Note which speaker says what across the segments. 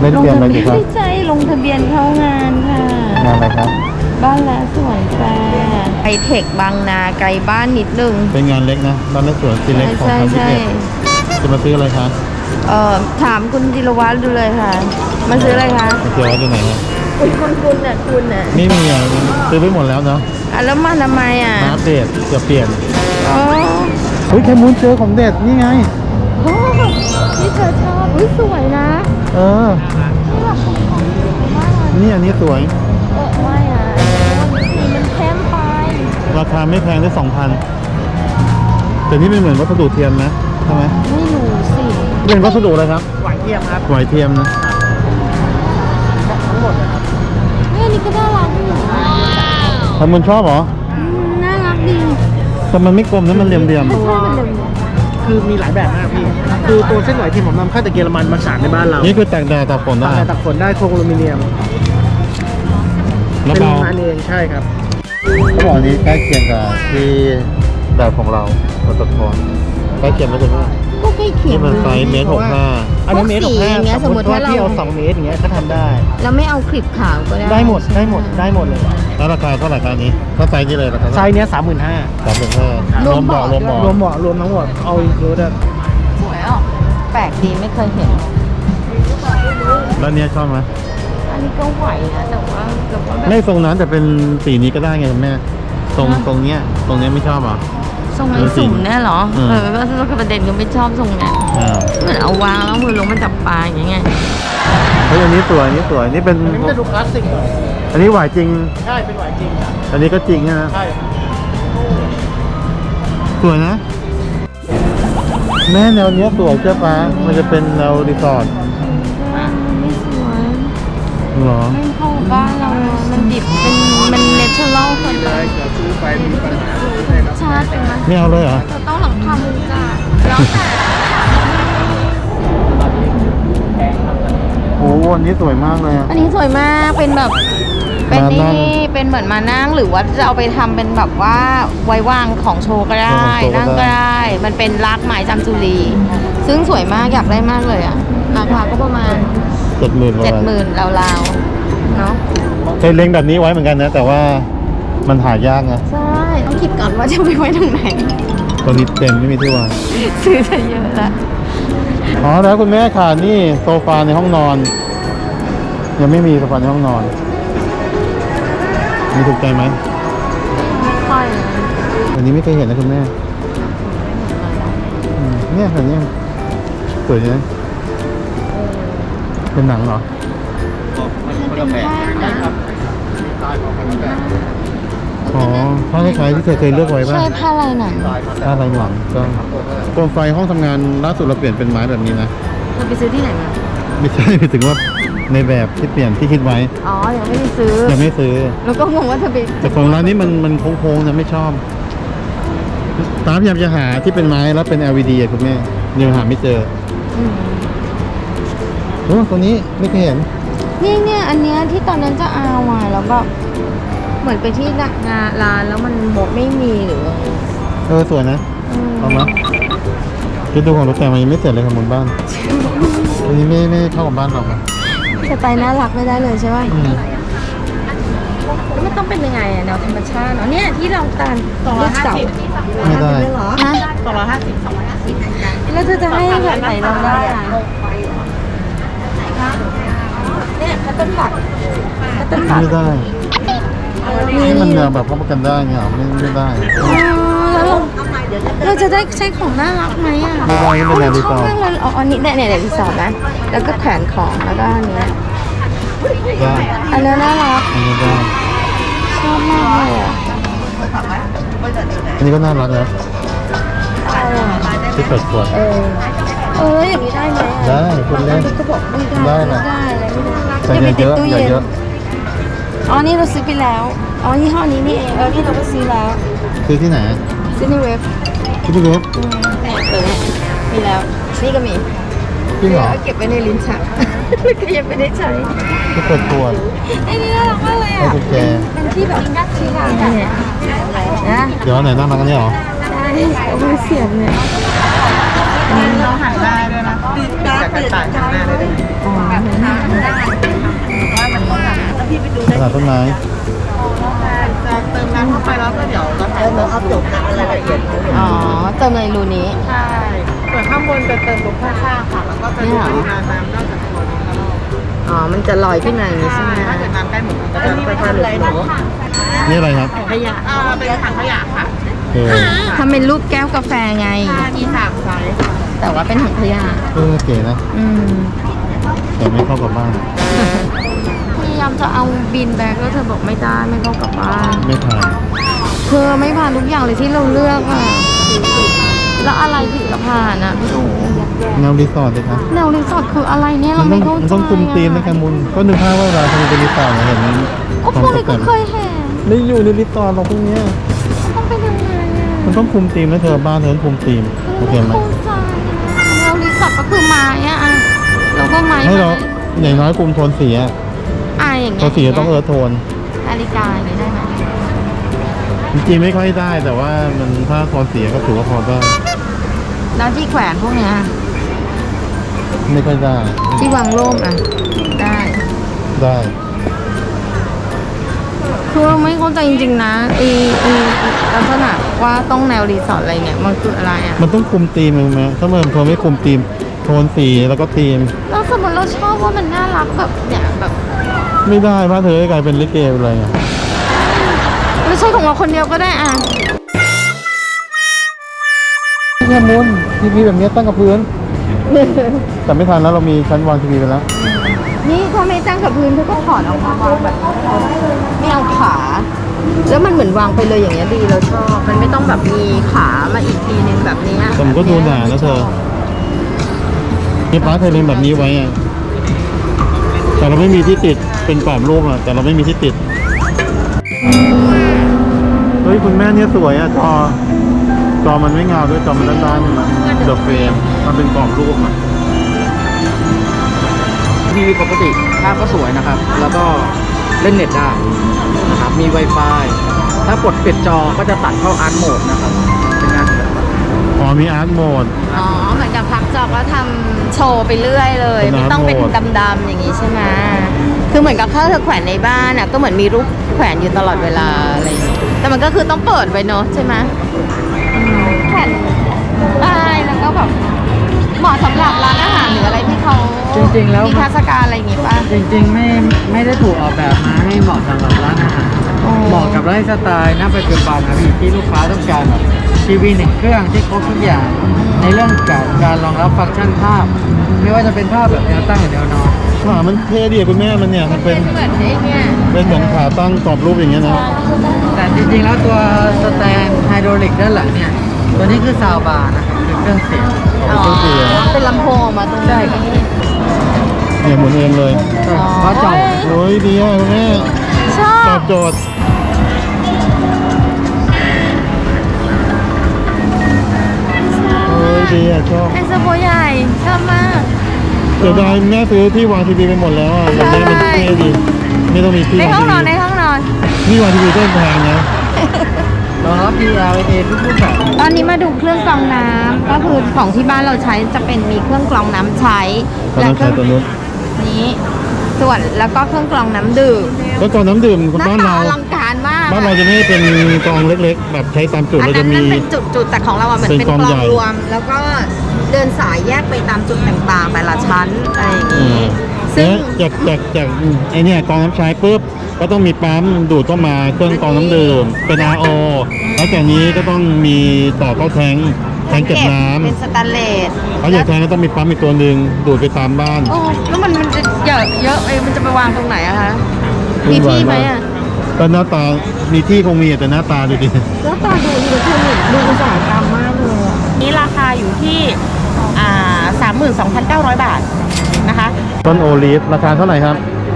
Speaker 1: เล่นเกมอะไรดีครับ
Speaker 2: ไม่ใช่ลงทะเบียนเข้างานค่ะ
Speaker 1: งานอะไรครับ
Speaker 2: บ้านและสวนแฟร์ไอเทคบางนาไกลบ้านนิดนึง
Speaker 1: เป็นงานเล็กนะบ้านและสวนซีเล็กของ
Speaker 2: ใช่
Speaker 1: ทางพิ
Speaker 2: ใช่
Speaker 1: เศษจะมาซื้ออะไรคะ
Speaker 2: ถามคุณจิรวัตรดูเลยค่ะ มาซื้ออะไรคะ
Speaker 1: มาเจอว่าอยู่ไหนครับ
Speaker 2: คุณน่ะคุณน่ะ
Speaker 1: ไม่มีอ่ะซื้อไปหมดแล้วเนาะ
Speaker 2: แล้วมาทำไมอ่ะ
Speaker 1: มาอัปเดตจะเปลี่ยน
Speaker 2: อ๋อ
Speaker 1: เฮ้ยแคมูนเจอของเด็ดนี่ไง
Speaker 2: โอ้ที่เธอชอบอุ้ยสวยนะ
Speaker 1: เออ
Speaker 2: นี่แบบของสวยมากเลย
Speaker 1: นี่อันนี้สวย
Speaker 2: ไม่อ่ะสีมันเข้มไป
Speaker 1: ราคาไม่แพงได้ 2,000แต่นี่เป็นเหมือนวัสดุเทียมนะใช่ไหม
Speaker 2: ไม่รู้สิ
Speaker 1: เป็นวัสดุอะไรครับ
Speaker 3: หวานเทียมครับ
Speaker 1: ไหวเทียมนะ
Speaker 3: ทั้งหมดนะครับ
Speaker 2: เนี่ยนี่ก็น่ารักอยู่
Speaker 1: แคมูนชอบเหรอ
Speaker 2: น่ารักดี
Speaker 1: แต่มันไม่กลมนะมันเหลี่ยม
Speaker 2: ไม่ชอบมันเลย
Speaker 3: คือมีหลายแบบมากพี่ คือตัวเส้นไหวที่ผมนำเข้าจากเยอรมันมาฉาบในบ้านเรา
Speaker 1: ๆนี่คือแตกแดดตากฝนได้
Speaker 3: ตักฝนได้โครงอลูมิเนียม
Speaker 1: แล้ว
Speaker 3: เป็น
Speaker 1: เบา
Speaker 3: งานเองใช่ครับ
Speaker 1: เขาบอกอันนี้ใกล้เคียงกับที่แบบของเราปตทใกล้เคียงไหมคุณแม่
Speaker 2: ก็ใกล้เคีย
Speaker 1: นี่
Speaker 2: ง
Speaker 1: มันไซส์เมตรหกห้า
Speaker 3: อันนี้เมตร
Speaker 2: พวกสีอย่างเงี้ย
Speaker 3: 65สมมติว่า
Speaker 2: สมมุติว่า
Speaker 3: พี่เอา
Speaker 2: เรา
Speaker 3: 2 เมตรอย่างเงี้ยก็ทำได้
Speaker 2: แล้วไม่เอาคลิปขาวก็ได้
Speaker 3: ได้หมดได้หมดได้หมดเลย
Speaker 1: แล้วราคาเท่าไหร่ครับอันนี้ถ้าไซส์นี้เลยราคา
Speaker 3: ไซส์เนี้ย 35,000
Speaker 1: 35,000รวมเบาะรวมเบาะ
Speaker 3: รวมเบาะรวมทั้งหมดเอาอีกรูด
Speaker 2: สวยอ่ะแปลกดีไม่เคยเห็น
Speaker 1: แล้วเนี้ยชอบไหม
Speaker 2: อันนี้ก็ไหวนะแต่ว่าแบบ
Speaker 1: ไม่ทรงนั้นแต่เป็นสีนี้ก็ได้ไงคุณแม่ตรงเนี้ยไม่ชอบเหรอ
Speaker 2: ทรงไอ้สุ่มเนี่ยเหรอ
Speaker 1: อืม
Speaker 2: ก็ประเด็นก็ไม่ชอบทรงเนี่ย
Speaker 1: อ่า
Speaker 2: เหมือนเอาวางแล้วมือลงมาจับปลาอย่างเงี้ย
Speaker 1: เฮ้ยอันนี้สวยอันนี้สวยนี่เป็น
Speaker 3: อันนี้มันจะดูคลาสสิกหน่อย
Speaker 1: อันนี้หวายจริง
Speaker 3: ใช่เป็นหวานจริงครับ
Speaker 1: อันนี้ก็จริงนะ
Speaker 3: ใช่ครับ
Speaker 1: สวยนะ แม่แนวเนี้ยสวยเจ้าฟ้ามันจะเป็นแนวรีสอร์ท
Speaker 2: ไม่สวย
Speaker 1: เหรอ
Speaker 2: ไม่เข้าบ้านเราอะมันดิบเป็นมันเนเชอรัลเกินไป
Speaker 3: จะซื้อไปมีปัญหา
Speaker 2: ชาติเป็นมัน
Speaker 1: ไม่เอาเลยเหรอ
Speaker 2: จะต้องหลังคามุงจ้าแล้วแต่
Speaker 1: โอ้โหอันนี้สวยมากเลยอะ
Speaker 2: อันนี้สวยมากเป็นแบบเป็น
Speaker 1: มานั่
Speaker 2: นี่
Speaker 1: ง
Speaker 2: เป็นเหมือนมานั่งหรือว่าจะเอาไปทำเป็นแบบว่าไว้วางของโชว์ก็ได้
Speaker 1: ของโชว์ก็ได้
Speaker 2: นั่งก็ได้ มันเป็นรากไม้จำจุลี ซึ่งสวยมากอยากได้มากเลยอ่ะราคาก็ประมาณ
Speaker 1: 70,000ประมาณ
Speaker 2: 70,000ราวๆเนาะ
Speaker 1: เคยเล็งแบบนี้ไว้เหมือนกันนะ แต่ว่ามันหายากนะ
Speaker 2: ใช่ต้องคิดก่อนว่าจะไปไว้ตรงไหน
Speaker 1: ตอนนี้เต็มไม่มีที่วาง
Speaker 2: ซื้อจะเยอะละ
Speaker 1: อ๋อแล้วคุณแม่ค่ะนี่โซฟาในห้องนอน ยังไม่มีโซฟาในห้องนอน มีถูกใจไหม
Speaker 2: ไม่ค่อยนะ
Speaker 1: อันนี้ไม่เคยเห็นนะคุณแม่เนี่ยแบบนี้สวยนะเป็นหนังเหรอ
Speaker 2: เป็นผ้านะ
Speaker 1: อ๋อผ้าคล้ายๆที่เธอเคยเลือกไว้ป่ะ
Speaker 2: ใช่ผ้าลายหนัง
Speaker 1: ผ้าลายหนังก็โคมไฟห้องทำงานล่าสุดเราเปลี่ยนเป็นไม้แบบนี้นะ
Speaker 2: เธอไปซื้อที่ไหนมา
Speaker 1: ไม่ใช่หมายถึงว่าในแบบที่เปลี่ยนที่คิดไว้
Speaker 2: อ๋อ ยังไม่ได้ซื้อ
Speaker 1: ยังไม่ซื้อ
Speaker 2: แล้วก็งงว่าเธอไป
Speaker 1: แต่ของร้านนี้มันโค้งๆนะไม่ชอบตามพยายามจะหาที่เป็นไม้แล้วเป็น LED อะคุณแม่ยังหาไม่เจอ
Speaker 2: อืม
Speaker 1: โอ้ตัวนี้ไม่เคยเห็น
Speaker 2: เนี่ยอันเนี้ยที่ตอนนั้นจะเอาอ่ะแล้วแบบเหมือนไปที่งานร้านแล้วมันหมดไม่มีหรือว่า
Speaker 1: สวยนะ
Speaker 2: อืม
Speaker 1: เอามาคิดดูของรถแต่มันยังไม่เสร็จเลยของบนบ้านอันนี้ไม่เข้ากับบ้านเราอะ
Speaker 2: สไตล์น่ารักไม่ได้เลยใช่ไหม
Speaker 1: อืม
Speaker 2: แล้วมันต้องเป็นยังไงอ่ะแนวธรรมชาติเนาะเนี่ยที่เราตานลูกเสา
Speaker 1: ไม่ได้
Speaker 2: ฮะแล้วเธอจะให้แบบไหนเราได้อ่ะเนี่ยคัตเติ้ลบัตคัตเติ้ลบัต
Speaker 1: ไม่ได้นี่มันแนวแบบเข้ากันได้เงี้ยเหรอไม่ได้
Speaker 2: แล้วเราจะได้ใช้ของน่ารักไหมอ่ะ
Speaker 1: ไม่ได้ไม่เป็นแนวรีสอร์ท
Speaker 2: ชบมากเลยอ๋ออันนี้เนี่ยรีสอร์ทนะแล้วก็แขวนของแล้วก็อันเนี้ย
Speaker 1: ได้
Speaker 2: อันนี้น่ารัก
Speaker 1: อันนี้ได้
Speaker 2: ชอบมากเลยอ่ะ
Speaker 1: อันนี้ก็น่ารักนะ
Speaker 2: เอาอ่ะ
Speaker 1: ที่เปิดขวด
Speaker 2: อย่างนี้ได้ไหมอ่ะ
Speaker 1: ได้คุณเล่น
Speaker 2: ก็บอกไม่ได้
Speaker 1: ได้นะ
Speaker 2: ไม่ได้เลย
Speaker 1: แต่
Speaker 2: ไม่
Speaker 1: อย่า
Speaker 2: ได้
Speaker 1: เยอะอย่าเยอะ
Speaker 2: อ๋อนี่เราซื้อไปแล้วอ๋อยี่ห้อนี้นี่เองนี่เราก็ซื้อแล้ว
Speaker 1: ซื้อที่ไหน
Speaker 2: ซื้อในเว็บ
Speaker 1: ที่พี่เว็บ
Speaker 2: เนี่ยเปิดเนี่ยมีแล้วนี่ก็มี
Speaker 1: จริงเหรอ
Speaker 2: เก็บไว้ในลิ้นชัก แล้วก็ยังไม่ได้ใช้
Speaker 1: ที่เปิดขวด
Speaker 2: ไอ้นี่น่ารักมากเลย
Speaker 1: ให้
Speaker 2: อ่ะ
Speaker 1: กุญแจ
Speaker 2: เป็นที่แบบที่ร้านเนี่ยนะ
Speaker 1: เดี๋ยวอันไหนน่ารักกันเนี่ยเหรอ
Speaker 2: ใช่เอามือเสียบเนี่ย
Speaker 3: เราหันหน้าด้วยนะจากกระต่ายหันหน้าได้ด้วย
Speaker 2: อ๋อว่ามันต้องแบบ
Speaker 3: แล้วพี่ไปดูได้
Speaker 1: ตลาดต้นไม้
Speaker 3: จะเติมน้ำเข้าไปแล้วก็เดี๋ยวเราถ่ายรูปอัปเดตรายละเอียด
Speaker 2: อ๋อเติมในรูนี้
Speaker 3: ใช่ส่วนข้างบนจะเติมตรงข้างๆค่ะแล้วก็จะดูปริมาณน้ำนอกจากตัวนี้แล้ว
Speaker 2: อ๋อมันจะลอยขึ้นมาอย่างนี้ใช่ไหม
Speaker 3: ถ้าเกิดน้ำใกล้หมดมันก็จะไปทานเลยหนู
Speaker 1: นี่อะไรครับ
Speaker 3: ขยะเป็นถังขยะค่ะ
Speaker 1: เออ
Speaker 2: ทำเป็นรูปแก้วกาแฟไง
Speaker 3: มี3 ไซส์ค่ะ
Speaker 2: แต่ว่าเป็นถังขยะ
Speaker 1: เออเก๋นะ
Speaker 2: อืม
Speaker 1: แต่ไม่เข้ากับบ้าน
Speaker 2: พยายามจะเอาบินแบกแล้วเธอบอกไม่ได้ไม่เข้ากลับบ้าน
Speaker 1: ไม่ผ่าน
Speaker 2: เธอไม่ผ่านทุกอย่างเลยที่เราเลือกอ่ะ แล้วอะไรถึงจะผ่านอ่ะพี่หนู
Speaker 1: แนวรีสอร์ทเลยครับ
Speaker 2: แนวรีสอร์ทคืออะไรเนี่ยเราไม่เข้าใจ
Speaker 1: มันต้องคุมธีมในการมุนก็นึกภาพว่าเวลาทำเป็นรีสอร์ทเห็น
Speaker 2: ก็พวกนี้ก็เคยเห็น
Speaker 1: ไม่อยู่ในรีสอร์ทหรอกพวกเนี้ย
Speaker 2: ต้องเป็นยังไงอ่ะ
Speaker 1: มันต้องคุมธีมนะเธอบ้านเธอต้องคุมธีมโอเคไหม
Speaker 2: ไม่เข้าใจแนวรีสอร์ทก็คือไม้อ่ะเราก็ไม้
Speaker 1: ให้เราอย่างน้อยคุมโทนสีอะ
Speaker 2: อย่าง
Speaker 1: โท
Speaker 2: เงี้ย
Speaker 1: นสีต้องเอิร์ธโทน
Speaker 2: นาฬิกาอย่างนี้ได้ไหม
Speaker 1: จริงๆไม่ค่อยได้แต่ว่ามันถ้าโทนสีก็ถือว่าพอได้
Speaker 2: แล้วที่แขวนพวกเนี้ย
Speaker 1: ไม่ค่อยได้
Speaker 2: ที่วางร่มอ่ะได้
Speaker 1: ได้
Speaker 2: คือเราไม่เข้าใจจริงๆนะลักษณะว่าต้องแนวรีสอร์ทอะไรเนี่ยมันคืออะไรอ่ะ
Speaker 1: มันต้องคุมธีมไหมถ้ามันโทนไม่คุมธีมโทนสีแล้วก็ธีม
Speaker 2: แล้วสมมติเราชอบว่ามันน่ารักแบบเนี่ยแบบ
Speaker 1: ไม่ได้บ้านเธอกลายเป็นลิเกไปเลยอะ
Speaker 2: ไม่ใช่ของเราคนเดียวก็ได้อ่ะ
Speaker 1: เนี่ยมุนทีวีแบบนี้ตั้งกับพื้น แต่ไม่ทันแล้วเรามีชั้นวางทีวีไปแล้ว
Speaker 2: นี่ถ้าไม่ตั้งกับพื้นเธอก็ถอดออกมาวางแบบไม่เอาขา แล้วมันเหมือนวางไปเลยอย่างเงี้ยดีเราชอบ มันไม่ต้องแบบมีขามาอีกทีนึงแบบเนี้ย
Speaker 1: แต่มันก็ดูหนานะเธอมีป้าเธอเลี้ยงแบบนี้ไว้อะแต่เราไม่มีที่ติดเป็นกรอบรูปอะแต่เราไม่มีที่ติดเฮ้ยคุณแม่เนี่ยสวยอะจอมันไม่เงาด้วยจอมันด้านๆเดอะเฟรมมันเป็นกรอบรูปอะ
Speaker 3: ทีวีปกติภาพก็สวยนะครับ แล้วก็เล่นเน็ตได้นะครับ มี Wi-Fi ถ้ากดปิดจอก็จะตัดเข้าอาร์ตโหมดนะครับเป็นงานศิลปะ
Speaker 1: อ๋อมีอาร์ตโหมด
Speaker 2: อ๋อเหมือนกับพักจอกแล้วทำโชว์ไปเรื่อยเลย
Speaker 1: เป็น
Speaker 2: ไม่ต้องเป็น
Speaker 1: โหมด
Speaker 2: ดำๆอย่างงี้ใช่ไหมคือเหมือนกับถ้าเธอแขวนในบ้านอ่ะก็เหมือนมีรูปแขวนอยู่ตลอดเวลาอะไรอย่างเงี้ยแต่มันก็คือต้องเปิดไว้เนอะใช่ไหมแขวนได้แล้วก็แบบเหมาะสำหรับร้านอาหารหรืออะไรที่เขา
Speaker 3: จริงๆแล้ว
Speaker 2: มีเทศกาลอะไรอย่างงี้ป่ะ
Speaker 3: จริงๆไม่ได้ถูกออกแบบมาให้เหมาะสำหรับร้านอาหาร
Speaker 2: อ๋อ
Speaker 3: เหมาะกับไลฟ์สไตล์ณปัจจุบันนะพี่ที่ลูกค้าต้องการแบบทีวี1 เครื่องที่ครบทุกอย่าง ในเรื่องการรองรับฟังก์ชันภาพ ไม่ว่าจะเป็นภาพแบบแนวตั้งหรือแนวนอน
Speaker 1: ขามันเท่ดีอะคุณแม่มันเนี่ยมันเป็น
Speaker 2: เหมือนไอ้เนี่ย
Speaker 1: เป็นเหมือนขาตั้งกรอบรูปอย่างเงี้ยนะ
Speaker 3: แต่จริงๆแล้วตัวสแตนไฮโดรลิกด้านหลังเนี่ย ตัวนี้คือซาวบาร์นะครับคือเครื่องเสียง
Speaker 2: อ๋อเป็นลำโพงออกมาตรงนี้
Speaker 1: เนี่ยหมุนเองเลย
Speaker 3: เพราะจอ
Speaker 1: โอ้ยดีอ่ะคุณแม่
Speaker 2: ชอ
Speaker 1: ตอ
Speaker 2: บบ
Speaker 1: โจทย์โอ้ยดีอ่ะชอบ
Speaker 2: ไอสโบใหญ่ชอบมาก
Speaker 1: เดี๋ยวได้แม่ซื้อที่วางทีวีไปหมดแล้วอ่ะแบบนี้มันเท่ดีไม่ต้องมีที่
Speaker 2: ใน
Speaker 1: วาง
Speaker 2: ห้อง
Speaker 1: ที
Speaker 2: นอน
Speaker 1: วี
Speaker 2: ในห้องนอน
Speaker 1: ที่วางทีวีก็แพงนะ
Speaker 3: รองรับ PLA ทุกรูปแบบ
Speaker 2: ตอนนี้มาดูเครื่องกรองน้ำก็คือของที่บ้านเราใช้จะเป็นมีเครื่องกรองน้ำใช้
Speaker 1: ตอนนั้น
Speaker 2: เค
Speaker 1: ใช้
Speaker 2: รื่อง
Speaker 1: ตัวนู้น
Speaker 2: นี้ส่วนแล้วก็เครื่องกรองน้ำดื่ม
Speaker 1: แล้วกรองน้ำดื่ม
Speaker 2: หน้า
Speaker 1: บ้าน
Speaker 2: ตา
Speaker 1: เรา
Speaker 2: อลังการมาก
Speaker 1: บ้านเราจะไม่ได้เป็นกรองเล็กๆ แบบใช้ตามจุด
Speaker 2: อัน
Speaker 1: เรา
Speaker 2: นั้
Speaker 1: จะ
Speaker 2: น
Speaker 1: มี
Speaker 2: นั่นเป็นจุดๆแต่ของเราอ่ะเหมือน
Speaker 1: เป็น
Speaker 2: เป็น
Speaker 1: ก
Speaker 2: ก
Speaker 1: ร
Speaker 2: ร
Speaker 1: อง
Speaker 2: อง
Speaker 1: ใหญ่
Speaker 2: รวม แล้วก็เดินสายแยกไปตามจุดต่างๆ แต่ละชั้นอะไรอย่าง
Speaker 1: อื
Speaker 2: นี้
Speaker 1: ม
Speaker 2: ซึ่ง
Speaker 1: แล้วจากไอเนี่ยกรองน้ำใช้ปุ๊บก็ต้องมีปั๊มดูดเข้ามาเครื่องกรองน้ำดื่มเป็น RO แล้วจากนี้ก็ต้องมีต่อเข้าแทงเก็บน้ำ
Speaker 2: เป็นสแตนเลส
Speaker 1: แล้วอย่างแทงก็ต้องมีปั๊มอีกตัวหนึ่งดูดไปตามบ้าน
Speaker 2: โอ้แล้วมันจะเยอะมันจะไปวางตรงไหนอะคะ มีที่ไหมอะ
Speaker 1: ก็หน้าตา มีที่คงมีแต่หน้าตาดูดิ
Speaker 2: แล้วตาดูอิเล็กทรอนิกส์ดูอุตสาหกรรมมากเลยอะ
Speaker 4: นี่ราคาอยู่ที่32,900 บาทนะคะ
Speaker 1: ต้นโอลีฟราคาเท่าไหร่ครับ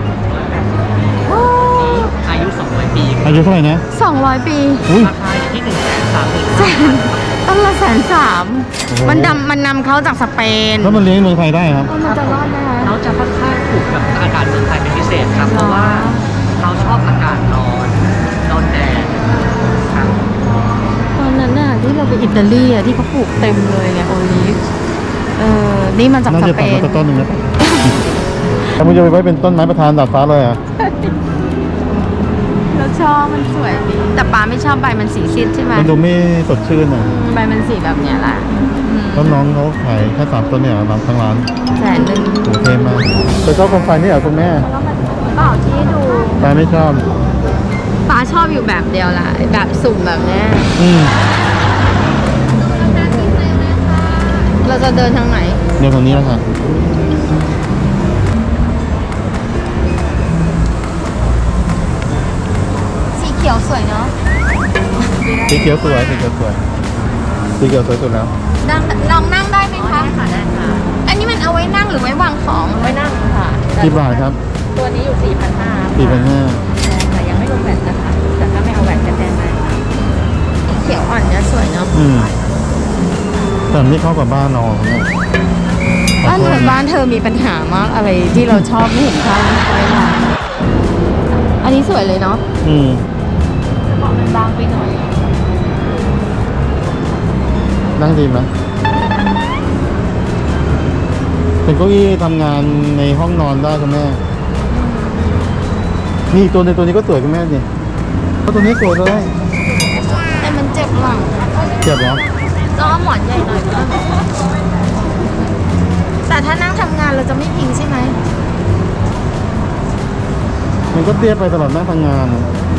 Speaker 3: อายุ200 ปี
Speaker 1: อายุเท่าไหร่นะ
Speaker 2: 200 ปี
Speaker 1: อุ้ย
Speaker 3: ราคาอยู่ที่130,000
Speaker 2: แสนต้นละ130,000
Speaker 1: โอ้โห
Speaker 2: มันนำเขาจากสเปน
Speaker 1: แล้วมันเลี้ยงในเมืองไทยได้ครับ
Speaker 2: มันจะรอดไหมคะ
Speaker 3: เขาจะค่อนข้างถูกกับอากาศเมืองไทยเป็นพิเศษครับ เพราะว่าเขาชอบอากาศร้อนโดนแดดครับ
Speaker 2: ตอนนั้นน่ะที่เราไปอิตาลีอะที่เขาปลูกเต็มเลยไงโอลิฟนี่มาจาก
Speaker 1: น่า
Speaker 2: ส
Speaker 1: จะ
Speaker 2: เป
Speaker 1: ตัด
Speaker 2: น
Speaker 1: มาต้นหนึ่งนะแล้วมึงจะไปไว้เป็นต้นไม้ประธานดาดฟ้าเลยเหรอ่ะ
Speaker 2: เราชอบมันสวยดี แต่ป้าไม่ชอบใบมันสีซีดใช่ไหม
Speaker 1: มันดูไม่สดชื่นอ่ะ
Speaker 2: ใบมันสีแบบเนี้ยแหละอืม
Speaker 1: แล้วน้องเขาขายแค่3 ต้นเนี่ยร้านทั้งร้าน
Speaker 2: 100,000
Speaker 1: โอเคมากแต่ชอบโคมไฟนี่เหรอคุณแม่
Speaker 2: เปล่าที่ดู
Speaker 1: ป้าไม่ชอบ
Speaker 2: ป้าชอบอยู่แบบเดียวแหละแบบสุ่มแบบเนี้ย
Speaker 1: อืม
Speaker 2: เราจะเดินทางไหน
Speaker 1: เดี๋ยวตรงนี้แล้วค่ะ
Speaker 2: สีเขียวสวยเนาะ
Speaker 1: สีเขียวสวยสีเขียวสวยสีเขียวสวยสุดแล้ว
Speaker 2: ลองนั่งได้ไหมคะค่ะได้ค่ะ อันนี้มันเอาไว้นั่งหรือไว้วางของ
Speaker 4: ไว้นั่งค่ะ
Speaker 1: กี่บาทครับ
Speaker 4: ตัวนี้อยู่ 4,500
Speaker 1: 4,500
Speaker 4: แต่ยังไม่รวมแบตนะคะ แต่ถ้าไม่เอาแบตจะแพงไหม
Speaker 2: เขียวอ่อนเนี่ยสวยเนาะ
Speaker 1: อืมแต่นี่เข้ากับบ้านเราเนี่ย
Speaker 2: บ้านเธอมีปัญหามากอะไรที่เราชอบไม่เห็นเข้าไม่ได้อันนี้สวยเลยเนาะ
Speaker 1: อืม
Speaker 4: เบาะมันบางไปหน่อย
Speaker 1: นั่งดีไหมเป็นเก้าอี้ทำงานในห้องนอนได้คุณแม่ นี่ตัวนี้ก็สวยคุณแม่สิเพราะตัวนี้สวยเลย
Speaker 2: แต่มันเจ็บหลัง
Speaker 1: เจ็บเหรอ
Speaker 2: ก็หมอนใหญ่หน่อยก็แต่ถ้านั่งทำงานเราจะไม่พิงใช่ไหม
Speaker 1: มันก็เตี้ยไปตลอดหน้าทำงาน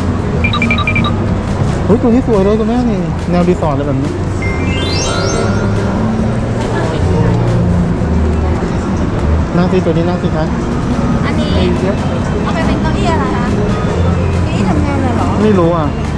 Speaker 1: เฮ้ยตัวนี้สวยเลยคุณแม่นี่แนวรีสอร์ทอะไรแบบนี้นั่งสิตัวนี้นั่งสิคะ
Speaker 2: อันนี้เอาไปเป็นเก้าอี้อะไรคะเก้าอี้ทำงานเลยเหรอ
Speaker 1: ไม่รู้อ่ะ
Speaker 2: เ